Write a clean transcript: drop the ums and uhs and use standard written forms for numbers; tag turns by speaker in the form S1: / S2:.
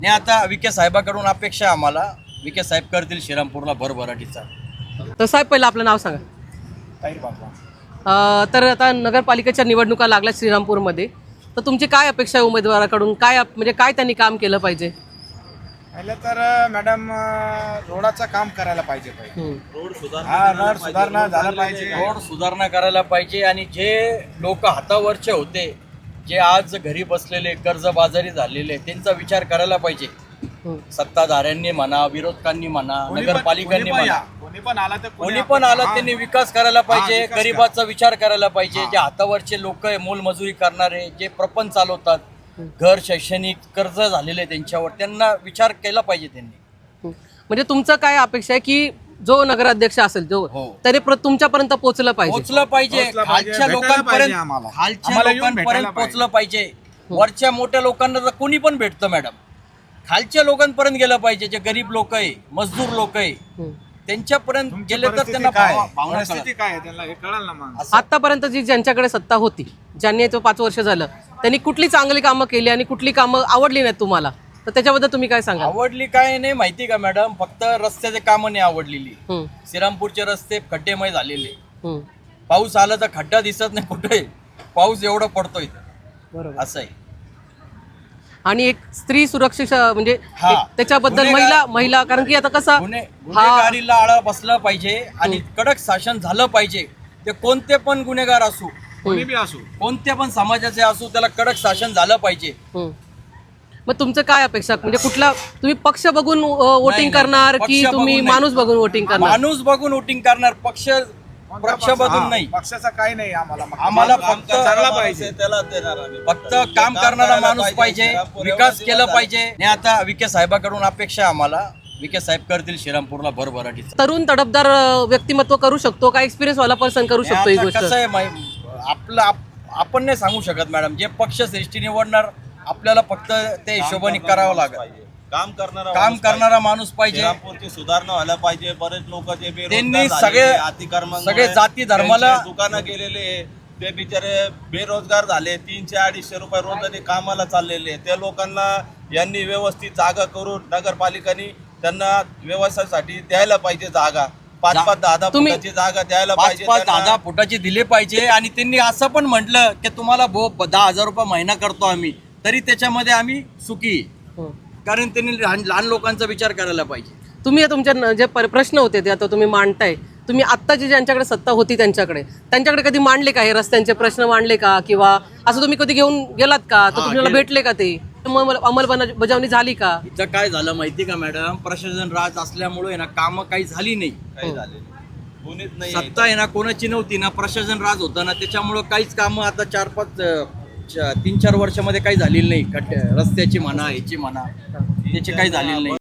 S1: नाही आता विखे साहेबाकडून अपेक्षा आहे आम्हाला. विखे साहेब करतील श्रीरामपूरला भरभराटीचा.
S2: तर साहेब पहिलं आपलं नाव सांगा.
S3: ताईर बाबा.
S2: तर आता नगरपालिकेच्या निवडणुका लागल्या श्रीरामपूरमध्ये, तर तुमची काय अपेक्षा आहे उमेदवाराकडून? काय म्हणजे काय त्यांनी काम केलं पाहिजे?
S3: पहिलं तर मॅडम रोडाचं काम करायला पाहिजे.
S1: रोड
S3: रोड सुधारणा झाला पाहिजे.
S1: रोड सुधारणा करायला पाहिजे. आणि जे लोक हातावरचे होते, जे आज घरी बसलेले कर्जबाजारी झालेले, त्यांचा विचार करायला पाहिजे. सत्ताधाऱ्यांनी म्हणा, विरोधकांनी म्हणा, नगरपालिकांनी म्हणा, कोणी पण आलं त्यांनी विकास करायला पाहिजे. गरिबाचा विचार करायला पाहिजे. जे हातावरचे लोक आहे, मोलमजुरी करणारे, जे प्रपंच चालवतात, घर शैक्षणिक कर्ज झालेले त्यांच्यावर, त्यांना विचार केला पाहिजे त्यांनी.
S2: म्हणजे तुमचं काय अपेक्षा आहे की जो नगराध्यक्ष असेल जो तरी तुमच्यापर्यंत पोहोचलं पाहिजे,
S1: खालच्या लोकांपर्यंत पोहोचलं पाहिजे. वरच्या मोठ्या लोकांना तर कोणी पण भेटतं मॅडम, खालच्या लोकांपर्यंत गेलं पाहिजे. जे गरीब लोक आहे, मजदूर लोक आहे, त्यांच्यापर्यंत गेले तर त्यांना भावना कळेल.
S2: आतापर्यंत जी ज्यांच्याकडे सत्ता होती, ज्यांनी 5 वर्ष झालं, त्यांनी कुठली चांगली कामं केली आणि कुठली कामं आवडली नाहीत तुम्हाला, तर त्याच्याबद्दल तुम्ही काय सांगा?
S1: आवडली काय नाही माहिती का मॅडम, फक्त रस्त्याचे कामं नाही आवडलेली. श्रीरामपूरचे रस्ते खड्डेमय झालेले. पाऊस आला तर खड्डा दिसत नाही कुठे, पाऊस एवढा पडतोय असं आहे.
S2: आणि एक स्त्री सुरक्षा म्हणजे त्याच्याबद्दल महिला कारण की आता कसं
S1: गुन्हेगारीला आळा बसला पाहिजे आणि कडक शासन झालं पाहिजे. ते कोणते पण गुन्हेगार असू, कोणत्या पण समाजाचे असू, त्याला कडक शासन झालं पाहिजे.
S2: मग तुमचं काय अपेक्षा, म्हणजे कुठला तुम्ही पक्ष बघून वोटिंग करणार की तुम्ही माणूस बघून वोटिंग करणार?
S1: माणूस बघून वोटिंग करणार, पक्ष बघून नाही.
S3: पक्षाचा काही नाही
S1: आम्हाला फक्त काम करणारा माणूस पाहिजे, विकास केला पाहिजे. आणि आता विखे साहेबाकडून अपेक्षा आहे आम्हाला. विखे साहेब करतील श्रीरामपूरला भरभराटीचा.
S2: तरुण तडफदार व्यक्तिमत्व करू शकतो का, एक्सपिरियन्स वाला पर्सन करू शकतो ही गोष्ट?
S1: कसं आहे आपलं आपण नाही सांगू शकत मॅडम. जे पक्ष श्रेष्ठी निवडणार, आपल्याला फक्त त्या हिशोबाने करावं लागेल. काम करणारा माणूस पाहिजे.
S4: सुधारणा व्हायला पाहिजे. बरेच लोक जे
S1: त्यांनी सगळे जाती धर्माला
S4: दुकानं गेलेले, ते बिचारे बेरोजगार झाले. 300-250 रुपये रोजाने कामाला चाललेले, त्या लोकांना यांनी व्यवस्थित जागा करून नगरपालिकांनी त्यांना व्यवसायासाठी द्यायला पाहिजे जागा. 5-5, 10-10 फुटाची जागा द्यायला पाहिजे.
S1: 5-10 फुटाची दिले पाहिजे. आणि त्यांनी असं पण म्हटलं की तुम्हाला 10,000 रुपये महिना करतो आम्ही, तरी त्याच्यामध्ये आम्ही सुखी. कारण त्यांनी लहान लोकांचा विचार करायला पाहिजे.
S2: तुम्ही तुमच्या जे प्रश्न होते ते आता तुम्ही मांडताय, तुम्ही आत्ता जी ज्यांच्याकडे सत्ता होती त्यांच्याकडे कधी मांडले का? हे रस्त्यांचे प्रश्न मांडले का, किंवा असं तुम्ही कधी घेऊन गेलात का? तर तुम्हाला भेटले का? ते अंमलबजावणी झाली का?
S1: इथं काय झालं माहिती का मॅडम, प्रशासन राज असल्यामुळे ना कामं काही झाली नाही. सत्ता आहे ना कोणाची नव्हती ना, प्रशासन राज होतं ना, त्याच्यामुळं काहीच कामं आता 3-4 वर्षामध्ये काही झालेली नाही. रस्त्याची म्हणा, ह्याची म्हणा, त्याची काही झालेली नाही.